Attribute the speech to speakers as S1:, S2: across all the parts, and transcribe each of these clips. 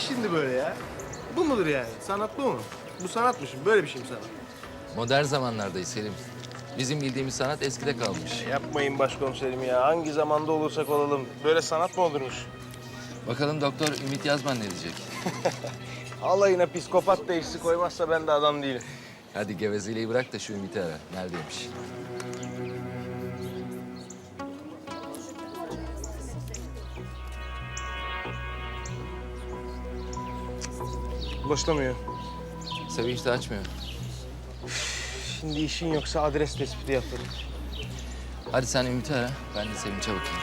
S1: şimdi böyle ya? Bu mudur yani? Sanat bu mu? Bu sanat mı şimdi? Böyle bir şey mi sanat?
S2: Modern zamanlardayız Selim. Bizim bildiğimiz sanat eskide kalmış.
S1: Yapmayın başkomiserim ya. Hangi zamanda olursak olalım. Böyle sanat mı olurmuş?
S2: Bakalım Doktor Ümit Yazman ne diyecek?
S1: Alayına psikopat teşhisi koymazsa ben de adam değilim.
S2: Hadi gevezeliği bırak da şu Ümit'i ara. Neredeymiş?
S1: Ulaşılamıyor.
S2: Sevinç de açmıyor.
S1: Şimdi işin yoksa adres tespiti yaparım.
S2: Hadi sen Ümit'i ara. Ben de Sevinç'e bakayım.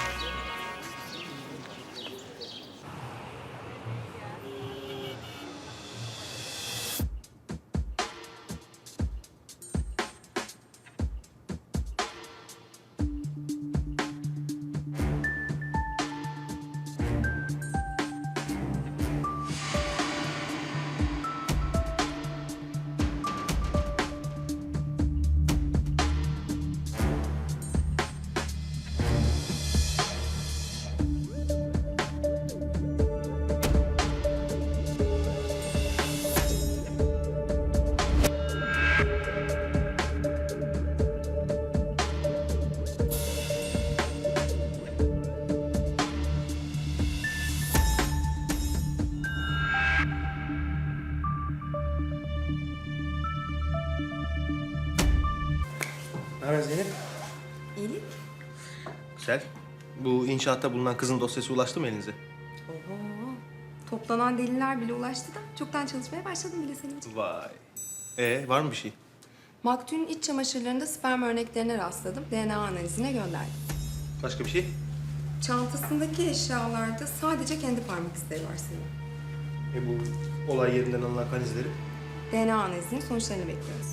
S1: Ne haber Zeynep?
S3: İyilik.
S1: Güzel. Bu inşaatta bulunan kızın dosyası ulaştı mı elinize?
S3: Oho. Toplanan deliller bile ulaştı da çoktan çalışmaya başladım bile senin için.
S1: Vay. Var mı bir şey?
S3: Maktulün iç çamaşırlarında sperm örneklerine rastladım. DNA analizine gönderdim.
S1: Başka bir şey?
S3: Çantasındaki eşyalarda sadece kendi parmak izleri var senin.
S1: Bu olay yerinden alınan kan izleri.
S3: DNA analizinin sonuçlarını bekliyoruz.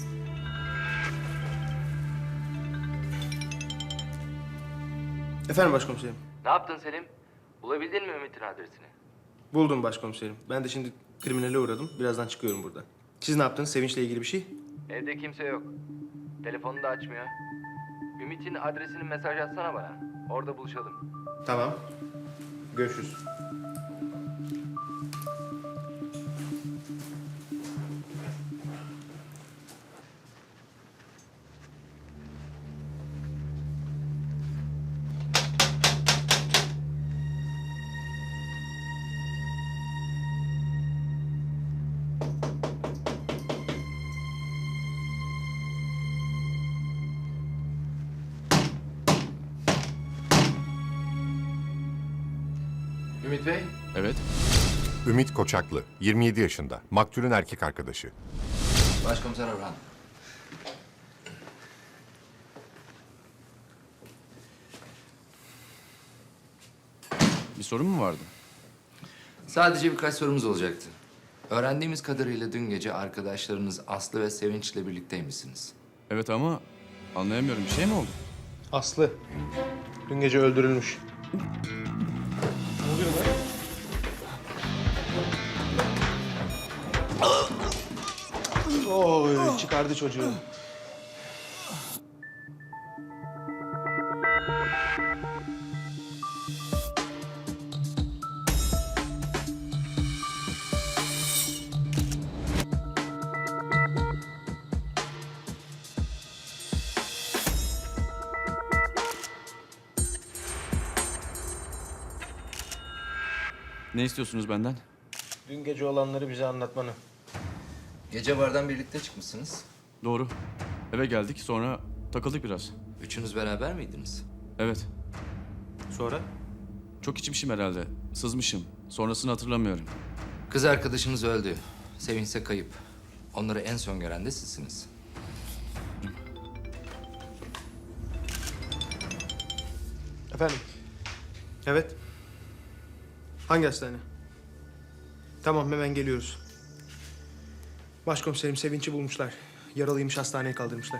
S1: Efendim başkomiserim.
S2: Ne yaptın Selim? Bulabildin mi Ümit'in adresini?
S1: Buldum başkomiserim. Ben de şimdi kriminale uğradım. Birazdan çıkıyorum buradan. Siz ne yaptınız? Sevinç'le ilgili bir şey?
S2: Evde kimse yok. Telefonu da açmıyor. Ümit'in adresini mesaj atsana bana. Orada buluşalım.
S1: Tamam. Görüşürüz.
S2: Ümit Bey.
S4: Evet.
S5: Ümit Koçaklı, 27 yaşında. Maktulün erkek arkadaşı.
S2: Başkomiser Orhan.
S4: Bir sorun mu vardı?
S2: Sadece birkaç sorumuz olacaktı. Öğrendiğimiz kadarıyla dün gece arkadaşlarınız Aslı ve Sevinç'le birlikteymişsiniz.
S4: Evet ama anlayamıyorum. Bir şey mi oldu?
S1: Aslı. Dün gece öldürülmüş. Ne oluyor lan? Oy, çıkardı çocuğu.
S4: Ne istiyorsunuz benden?
S1: Dün gece olanları bize anlatmanı.
S2: Gece bardan birlikte çıkmışsınız.
S4: Doğru. Eve geldik sonra takıldık biraz.
S2: Üçünüz beraber miydiniz?
S4: Evet.
S1: Sonra?
S4: Çok içmişim herhalde. Sızmışım. Sonrasını hatırlamıyorum.
S2: Kız arkadaşınız öldü. Sevinç ise kayıp. Onları en son gören de sizsiniz.
S1: Efendim? Evet. Hangi hastane? Tamam, hemen geliyoruz. Başkomiserim, Sevinç'i bulmuşlar. Yaralıymış, hastaneye kaldırmışlar.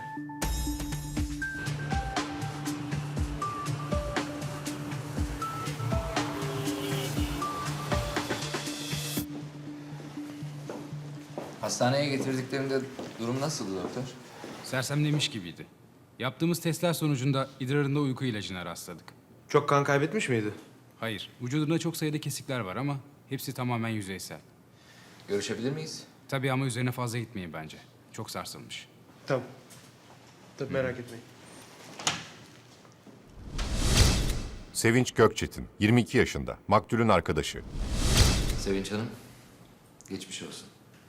S2: Hastaneye getirdiklerinde durum nasıldı doktor?
S6: Sersemlemiş gibiydi. Yaptığımız testler sonucunda idrarında uyku ilacına rastladık.
S1: Çok kan kaybetmiş miydi?
S6: Hayır, vücudunda çok sayıda kesikler var ama hepsi tamamen yüzeysel.
S2: Görüşebilir miyiz?
S6: Tabii ama üzerine fazla gitmeyin bence. Çok sarsılmış.
S1: Tamam. Tabii merak etmeyin.
S5: Sevinç Gökçetin, 22 yaşında, maktulün arkadaşı.
S2: Sevinç Hanım, geçmiş olsun.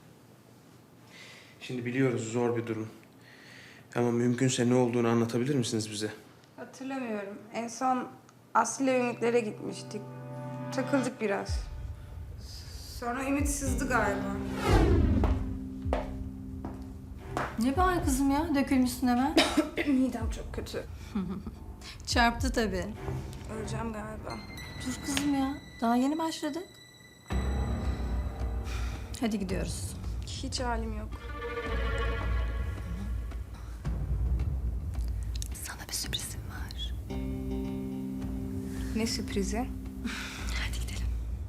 S1: Şimdi biliyoruz zor bir durum. Ama mümkünse ne olduğunu anlatabilir misiniz bize?
S7: Hatırlamıyorum. En son Aslı ile Ümit'lere gitmiştik. Takıldık biraz. Sonra Ümit sızdı galiba.
S8: Ne var kızım ya? Dökülmüşsün hemen.
S7: Midem çok kötü.
S8: Çarptı tabii.
S7: Öleceğim galiba.
S8: Dur kızım ya. Daha yeni başladık. Hadi gidiyoruz.
S7: Hiç halim yok.
S8: Sana bir sürprizim var.
S7: Ne sürprizi?
S8: Hadi gidelim.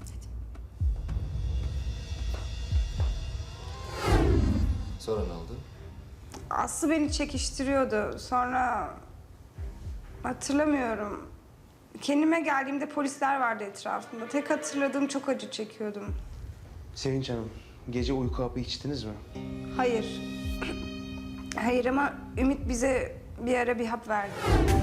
S2: Sonra ne oldu?
S7: Aslı beni çekiştiriyordu. Sonra hatırlamıyorum. Kendime geldiğimde polisler vardı etrafımda. Tek hatırladığım çok acı çekiyordum.
S1: Sevinç Hanım, gece uyku hapı içtiniz mi?
S7: Hayır. Hayır ama Ümit bize bir ara bir hap verdi.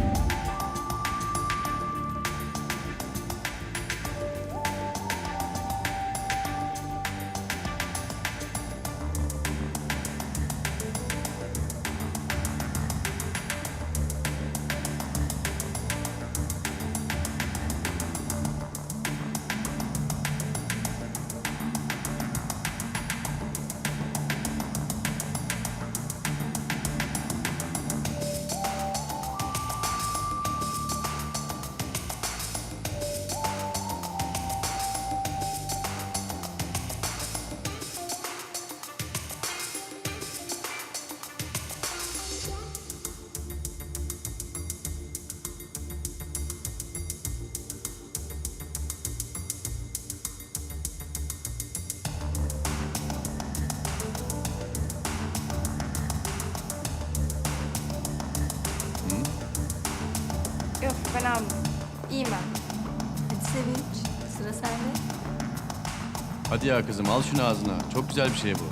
S7: Yok ben almadım. İyiyim ben.
S8: Hadi Sevinç. Sıra sende.
S4: Hadi ya kızım al şunu ağzına. Çok güzel bir şey bu.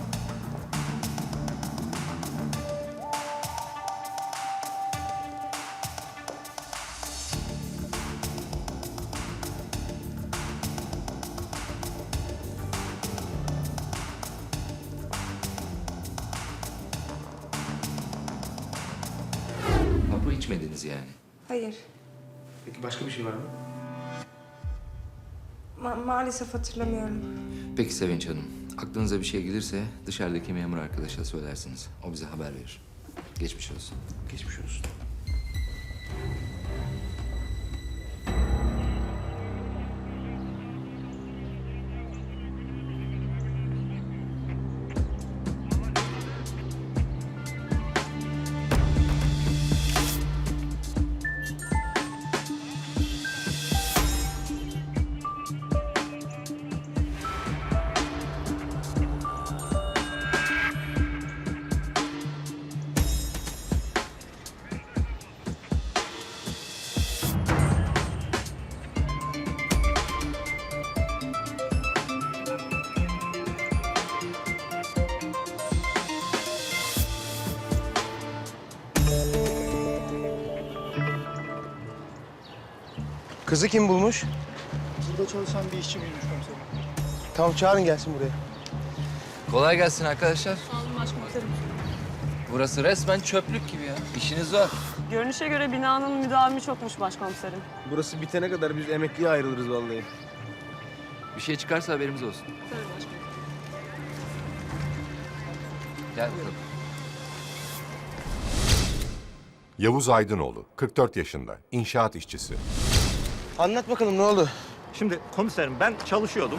S2: Hapı içmediniz yani.
S7: Hayır.
S1: Peki başka bir şey var mı?
S7: Maalesef hatırlamıyorum.
S2: Peki Sevinç Hanım, aklınıza bir şey gelirse dışarıdaki memur arkadaşa söylersiniz. O bize haber verir. Geçmiş olsun.
S1: Geçmiş olsun. Kızı kim bulmuş?
S9: Burada çalışan bir işçi bulmuş komiserim.
S1: Tamam çağırın gelsin buraya.
S2: Kolay gelsin arkadaşlar. Burası resmen çöplük gibi ya. İşiniz zor.
S10: Görünüşe göre binanın müdavimi çokmuş başkomiserim.
S1: Burası bitene kadar biz emekliye ayrılırız vallahi.
S2: Bir şey çıkarsa haberimiz olsun.
S10: Tabii başkomiserim.
S2: Gel bakalım.
S5: Yavuz Aydınoğlu, 44 yaşında, inşaat işçisi.
S1: Anlat bakalım ne oldu?
S9: Şimdi komiserim ben çalışıyordum.